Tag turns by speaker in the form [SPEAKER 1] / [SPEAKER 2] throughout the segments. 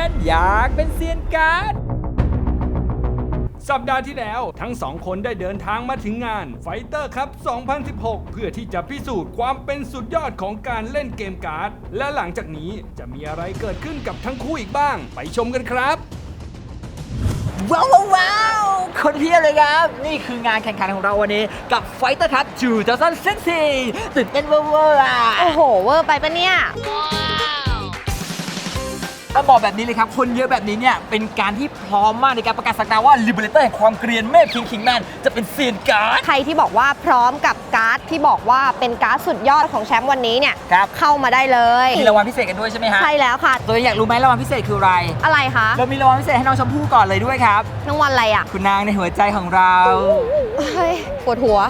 [SPEAKER 1] อยากเป็นเซียนการ์ด
[SPEAKER 2] สัปดาห์ที่แล้วทั้งสองคนได้เดินทางมาถึงงาน Fighter Cup 2016 เพื่อที่จะพิสูจน์ความเป็นสุดยอดของการเล่นเกมการ์ดและหลังจากนี้จะมีอะไรเกิดขึ้นกับทั้งคู่อีกบ้างไปชมกันครับ
[SPEAKER 1] ว้าวคนเพียบเลยครับนี่คืองานแข่งขันของเราวันนี้กับ Fighter Cup 2016ตื่นเต้นเวอร์อ่ะ
[SPEAKER 3] โอ้โหเวอร์ไปปะเนี่ย
[SPEAKER 1] ต้องบอกแบบนี้เลยครับคนเยอะแบบนี้เนี่ยเป็นการที่พร้อมมากในการประกาศสักดาว่า Liberator แห่งความเกรียนเมฆคิงแมนจะเป็นเซียนการ์ด
[SPEAKER 3] ใครที่บอกว่าพร้อมกับการ์ดที่บอกว่าเป็นการ์ดสุดยอดของแชมป์วันนี้เนี่ย
[SPEAKER 1] ครับ
[SPEAKER 3] เข้ามาได้เลย
[SPEAKER 1] มีรางวัลพิเศษกันด้วยใช่ไหมฮะ
[SPEAKER 3] ใช่แล้วค่ะ
[SPEAKER 1] ตัวอยากรู้ไหมรางวัลพิเศษคืออะไร
[SPEAKER 3] อะไรคะ
[SPEAKER 1] เรามีรางวัลพิเศษให้น้องชมพู่ก่อนเลยด้วยครับ
[SPEAKER 3] รางวัลอะไรอ่ะ
[SPEAKER 1] คุณนางในหัวใจของเรา
[SPEAKER 3] เฮ้ยปวดหัว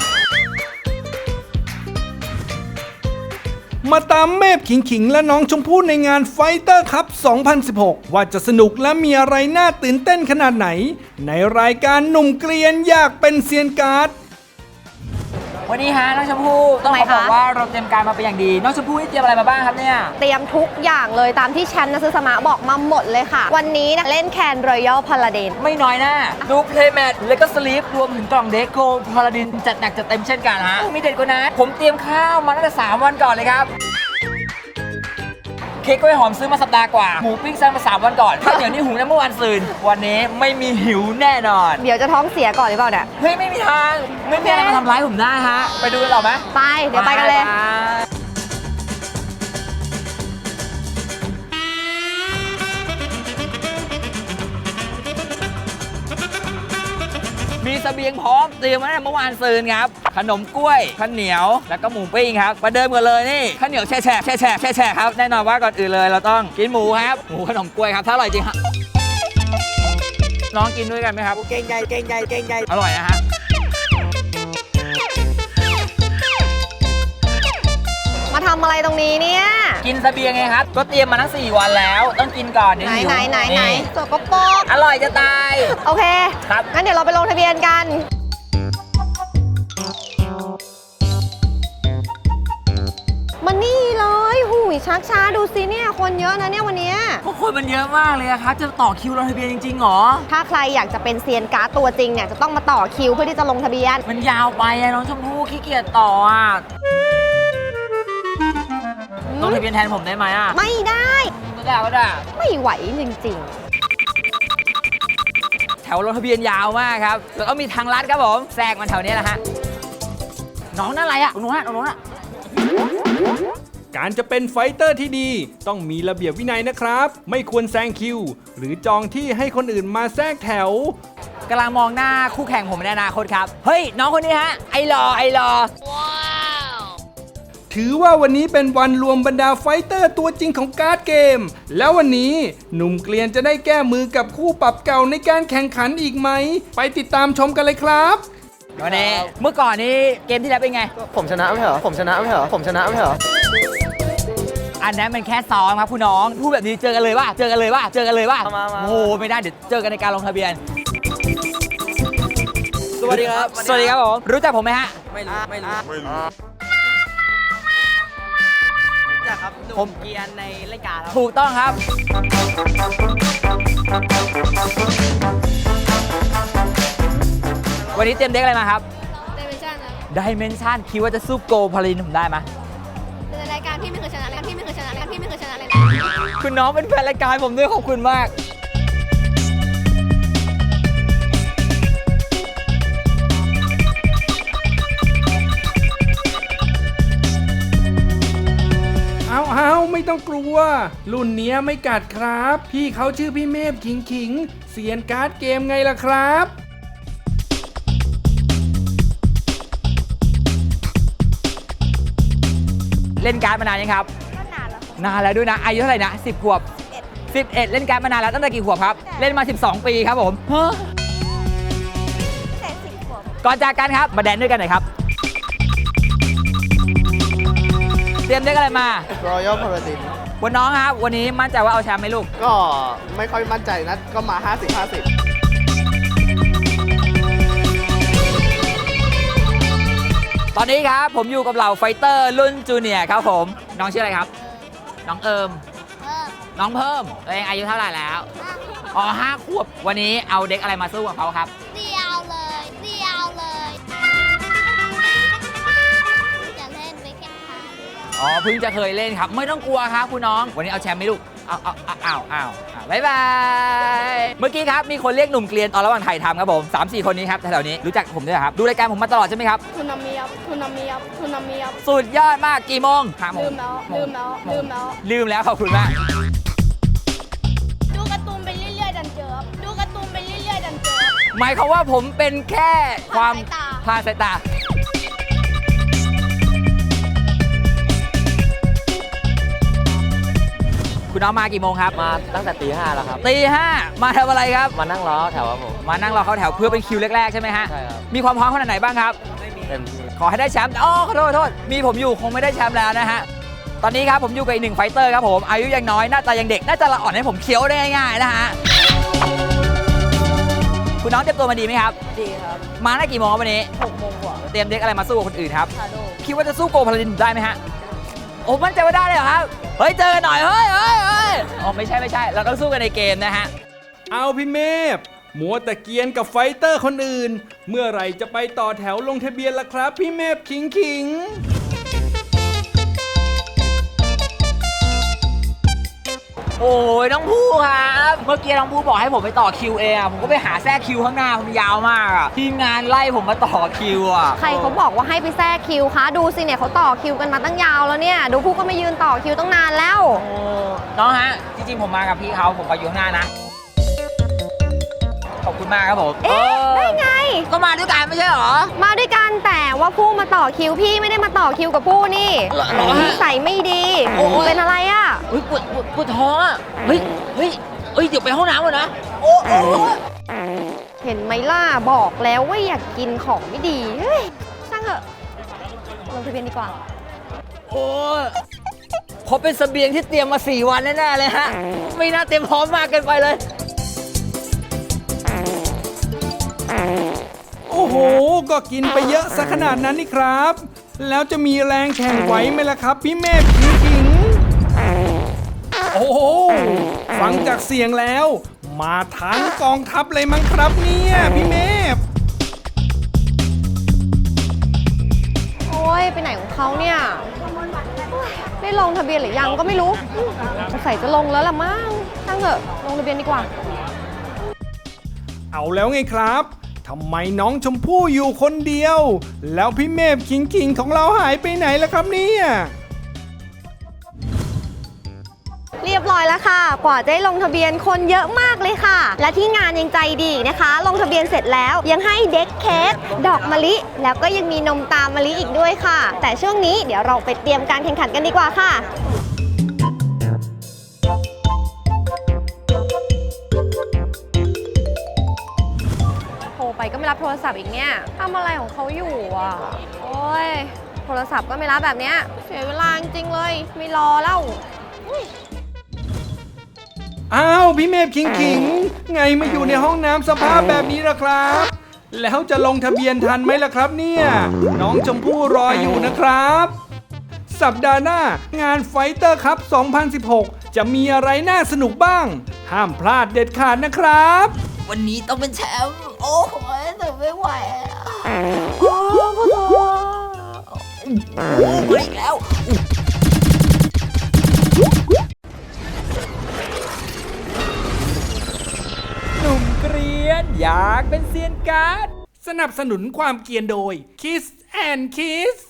[SPEAKER 2] มาตามเมพขิงและน้องชมพู่ในงาน Fighter Cup 2016 ว่าจะสนุกและมีอะไรน่าตื่นเต้นขนาดไหนในรายการหนุ่มเกรียนอยากเป็นเซียนการ์ด
[SPEAKER 1] วันนี้ฮะน้องชมพู่ต้องขอบอกว่าเราเตรียมการมาเป็นอย่างดีน้องชมพู่เตรียมอะไรมาบ้างครับเนี่ย
[SPEAKER 3] เตรียมทุกอย่างเลยตามที่แชมป์นักซื้อสมาบอกมาหมดเลยค่ะวันนี้เล่นแคนรอยัลพาลาดิน
[SPEAKER 1] ไม่น้อยหน้าดูเพลย์แมทแล้วก็สลีปรวมถึงกล่องเดโก้พาลาดินจัดหนักจัดเต็มเช่นกันฮะมีเด็ดกว่านั้นผมเตรียมข้าวมาตั้งแต่3 วันก่อนเลยครับเค้กกล้วยหอมซื้อมาสัปดาห์กว่าหมูปิ้งซื้อมา3 วันก่อนข้าวเหนียวนี่หุงได้เมื่อวันซืนวันนี้ไม่มีหิวแน่นอน
[SPEAKER 3] เดี๋ยวจะท้องเสียก่อนหรือเปล่าเนี่ย
[SPEAKER 1] เฮ้ยไม่มีทางไม่มีอะไรมาทำร้ายผมได้ฮะไปดูกันหรอไหม
[SPEAKER 3] ไปเดี๋ยวไปกันเลย
[SPEAKER 1] มีเสบียงพร้อมเตรียมไว้ตั้งแต่เมื่อวานซืนครับขนมกล้วยข้าวเหนียวแล้วก็หมูปิ้งครับมาเดิมกันเลยนี่ข้าวเหนียวแช่ครับแน่นอนว่าก่อนอื่นเลยเราต้องกินหมูครับหมูขนมกล้วยครับถ้าอร่อยจริงครับน้องกินด้วยกันไหมครับเก่งใหญ่อร่อยนะฮะ
[SPEAKER 3] มาทำอะไรตรงนี้เนี่ย
[SPEAKER 1] กินเสบียงไงครับก็เตรียมมาทั้ง4 วันแล้วต้องกินก่อนเดี๋ยวหิว
[SPEAKER 3] ไหนสกปรก
[SPEAKER 1] อร่อยจะตาย
[SPEAKER 3] โอเค
[SPEAKER 1] ครับ
[SPEAKER 3] งั้นเดี๋ยวเราไปลงทะเบียนกันมานี่เลยหูยชักช้าดูสิเนี่ยคนเยอะนะเนี่ยวันนี้
[SPEAKER 1] คนมันเยอะมากเลยครับจะต่อคิวลงทะเบียนจริงๆหรอ
[SPEAKER 3] ถ้าใครอยากจะเป็นเซียนการ์ดตัวจริงเนี่ยจะต้องมาต่อคิวเพื่อที่จะลงทะเบียน
[SPEAKER 1] มันยาวไปน้องชมพู่ขี้เกียจต่อลงทะเบียนแทนผมได้ไหม
[SPEAKER 3] ไม่ได้
[SPEAKER 1] ก็ได้
[SPEAKER 3] ไม่ไหวจริง
[SPEAKER 1] ๆแถวลงทะเบียนยาวมากครับแล้วก็มีทางลัดครับผมแทรกมันแถวนี้แหละฮะน้องนั่นอะไรตรงนู้น
[SPEAKER 2] การจะเป็นไฟเตอร์ที่ดีต้องมีระเบียบวินัยนะครับไม่ควรแซงคิวหรือจองที่ให้คนอื่นมาแทรกแถว
[SPEAKER 1] กำลังมองหน้าคู่แข่งผมในอนาคตครับเฮ้ยน้องคนนี้ฮะไอรอว้
[SPEAKER 2] าวถือว่าวันนี้เป็นวันรวมบรรดาไฟเตอร์ตัวจริงของการ์ดเกมแล้ววันนี้หนุ่มเกรียนจะได้แก้มือกับคู่ปรับเก่าในการแข่งขันอีกไหมไปติดตามชมกันเลยครับ
[SPEAKER 1] วันนี้เมื่อก่อนนี้เกมที่แล้วเป็นไง
[SPEAKER 4] ผมชนะไม่เหรอ
[SPEAKER 1] อันนั้นมันแค่ซ้อมครับคุณน้องพูดแบบนี้เจอกันเลยว่าโอ้ไม่ได้เดี๋ยวเจอกันในการลงทะเบียน
[SPEAKER 4] สวัสดีครับ
[SPEAKER 1] ผมรู้จักผมไหมฮะ
[SPEAKER 4] ไม่รู้จักครับผมเกียร์ในรายการครับ
[SPEAKER 1] ถูกต้องครับวันนี้เตรียมเด็กอะไรมาครับDimension คิดว่าจะสู้โกพาลินผมได้ไหม
[SPEAKER 3] ในรายการพี่ไม่เคยชนะเลย
[SPEAKER 1] คุณน้องเป็นแฟนรายการผมด้วยขอบคุณมาก
[SPEAKER 2] เอาไม่ต้องกลัวรุ่นเนี้ยไม่กัดครับพี่เขาชื่อพี่เมพขิงเซียนการ์ดเกมไงล่ะครับ
[SPEAKER 1] เล่นการ์ดมานานยังครับนานแล้วด้วยนะอายุเท่าไหร่นะ10 ขวบ11เล่นการ์ดมานานแล้วตั้งแต่กี่ขวบครับเล่นมา12 ปีครับผมก่อนจากกันครับมาแดนด้วยกันหน่อยครับเตรียมได้อะไรมา
[SPEAKER 4] Royal Paladin
[SPEAKER 1] วันน้องครับวันนี้มั่นใจว่าเอาแชมป์ไหมลูก
[SPEAKER 4] ก็ไม่ค่อยมั่นใจนะก็มา50-50
[SPEAKER 1] ตอนนี้ครับผมอยู่กับเหล่าไฟเตอร์รุ่นจูเนียร์ครับผมน้องชื่ออะไรครับน้องเอิมน้องเพิ่มตัวเองอายุเท่าไหร่แล้ว อ๋อ5 ขวบ วันนี้เอาเด็กอะไรมาสู้กับเขาครับ
[SPEAKER 5] เดียวเลยจะเล่นไปแข่งขัน
[SPEAKER 1] อ๋อเพิ่งจะเคยเล่นครับ ไม่ต้องกลัวครับคุณน้อง วันนี้เอาแชมป์ไหมลูกบ๊ายบายเมื่อกี้ครับมีคนเรียกหนุ่มเกลียนตอนระหว่างถ่ายทำครับผม 3-4 คนนี้ครับแถวๆนี้รู้จักผมด้วยเหรอครับดูรายการผมมาตลอดใช่ไหมครับ
[SPEAKER 5] ทุนามิยับทุนามิยับทุนามิยับ
[SPEAKER 1] สุดยอดมากกี่โมง5 โมง
[SPEAKER 5] ลืมแล้ว
[SPEAKER 1] ขอบคุณมาก
[SPEAKER 5] ดูการ์ตูนไปเรื่อยๆดันเจอดูการ์ตูนไปเรื่อยๆดันเจอ
[SPEAKER 1] หมายความว่าผมเป็นแค่ความพลาดสายตาคุณน้องมากี่โมงครับ
[SPEAKER 4] มาตั้งแต่ตี 5แล้วครับ
[SPEAKER 1] ตี 5มาทำอะไรครับ
[SPEAKER 4] มานั่งล้อแถวครับผม
[SPEAKER 1] มานั่งรอเข้าแถวเพื่อเป็นคิวแรกๆใช่ไหมฮะ
[SPEAKER 4] ใช่ครับ
[SPEAKER 1] มีความพร้อมขนาดไหนบ้างครับ
[SPEAKER 4] เต็มที่
[SPEAKER 1] ขอให้ได้แชมป์อ๋อขอโทษมีผมอยู่คงไม่ได้แชมป์แล้วนะฮะตอนนี้ครับผมอยู่กับอีก1 ไฟเตอร์ครับผมอายุยังน้อยหน้าตายังเด็กน่าจะละอ่อนให้ผมเคี้ยวได้ง่ายๆนะฮะคุณน้องเตรียมตัวมาดีไหมครับ
[SPEAKER 4] ดีครับ
[SPEAKER 1] มาได้กี่โมงครับวันนี้
[SPEAKER 4] 6 โมงกว่า
[SPEAKER 1] เตรียมเด็กอะไรมาสู้กับคนอื่นครับ
[SPEAKER 4] ชาโด
[SPEAKER 1] คิดว่าจะสู้โกพาลาดินได้ไหมฮะโอ้มั่นใจว่าได้เลยเหรอครับเฮ้ยเจอกันหน่อยเฮ้ยอ๋อไม่ใช่เราต้องสู้กันในเกมนะฮะ
[SPEAKER 2] เอาพี่เมฟมัวแต่เกรียนกับไฟเตอร์คนอื่น เมื่อไหร่จะไปต่อแถวลงทะเบียนล่ะครับพี่เมฟขิง
[SPEAKER 1] โอ้ยน้องผู้ครับเมื่อกี้น้องผู้บอกให้ผมไปต่อคิวเองอะผมก็ไปหาแทรกคิวข้างหน้ามันยาวมากอะทีมงานไล่ผมมาต่อคิวอะ
[SPEAKER 3] ใครเขาบอกว่าให้ไปแทรกคิวคะดูสิเนี่ยเขาต่อคิวกันมาตั้งยาวแล้วเนี่ยดูผู้ก็ไม่ยืนต่อคิวตั้งนานแล้ว
[SPEAKER 1] โอ้น้องฮะจริงๆผมมากับพี่เขาผมก็อยู่ข้างหน้านะขอบคุณมากครับผม
[SPEAKER 3] เอ๊ะได้ไง
[SPEAKER 1] ก็มาด้วยกันไม่ใช่เหรอ
[SPEAKER 3] มาด้วยกันแต่ว่าผู้มาต่อคิวพี่ไม่ได้มาต่อคิวกับผู้นี่
[SPEAKER 1] เหรอฮะ
[SPEAKER 3] นิสัยไม่ดี
[SPEAKER 1] โอ้ย
[SPEAKER 3] เป็นอะไรอ่ะ
[SPEAKER 1] เฮ้ยปวดท้องอะเฮ้ยเดี๋ยวไปห้องน้ำก่อนนะโอ้
[SPEAKER 3] เห็นไหมล่ะบอกแล้วว่าอยากกินของไม่ดีเฮ้ยช่างเถอะลงทะเบียนดีกว่า
[SPEAKER 1] โอ้เขาเป็นเสบียงที่เตรียมมา4 วันแน่ๆเลยฮะไม่น่าเตรียมพร้อมมากเกินไปเลย
[SPEAKER 2] ๆ โอ้โห ก็กินไปเยอะซะขนาดนั้นนี่ครับ แล้วจะมีแรงแข่งไหวไหมล่ะครับพี่เมฟขิงโอ้โห ฟังจากเสียงแล้ว มาทั้งกองทัพเลยมั้งครับเนี่ยพี่เมฟ
[SPEAKER 3] โอ้ยไปไหนของเขาเนี่ยโอ้ยได้ลงทะเบียนหรือยังก็ไม่รู้สงสัยจะลงแล้วล่ะมั้งช่างเถอะลงทะเบียนดีกว่า
[SPEAKER 2] เอาแล้วไงครับทำไมน้องชมพู่อยู่คนเดียว แล้วพี่เมฟขิงของเราหายไปไหนล่ะครับเนี่ย
[SPEAKER 3] เรียบร้อยแล้วค่ะ กว่าจะได้ลงทะเบียนคนเยอะมากเลยค่ะ และที่งานยังใจดีนะคะ ลงทะเบียนเสร็จแล้วยังให้เด็กเค้กดอกมะลิ แล้วก็ยังมีนมตามมะลิอีกด้วยค่ะ แต่ช่วงนี้เดี๋ยวเราไปเตรียมการแข่งขันกันดีกว่าค่ะโทรไปก็ไม่รับโทรศัพท์อีกเนี่ยทำอะไรของเขาอยู่อ่ะโอ้ยโทรศัพท์ก็ไม่รับแบบเนี้ยเสียเวลาจริงๆเลยไม่รอแล้ว
[SPEAKER 2] อ้าวพี่เมฟขิงไงมาอยู่ในห้องน้ำสภาพแบบนี้ล่ะครับ แล้วจะลงทะเบียนทันไหมล่ะครับเนี่ยน้องชมพู่รออยู่นะครับ สัปดาห์หน้างานไฟเตอร์คัพ 2016 จะมีอะไรน่าสนุกบ้าง ห้ามพลาดเด็ดขาดนะครับ
[SPEAKER 1] วันนี้ต้องเป็นแชมป์โอ้โหแต่ไม่ไหวโอ้ปวดท้องอีกแล้วหนุ่มเกรียนอยากเป็นเซียนการ์ด
[SPEAKER 2] สนับสนุนความเกรียนโดย Kiss and Kiss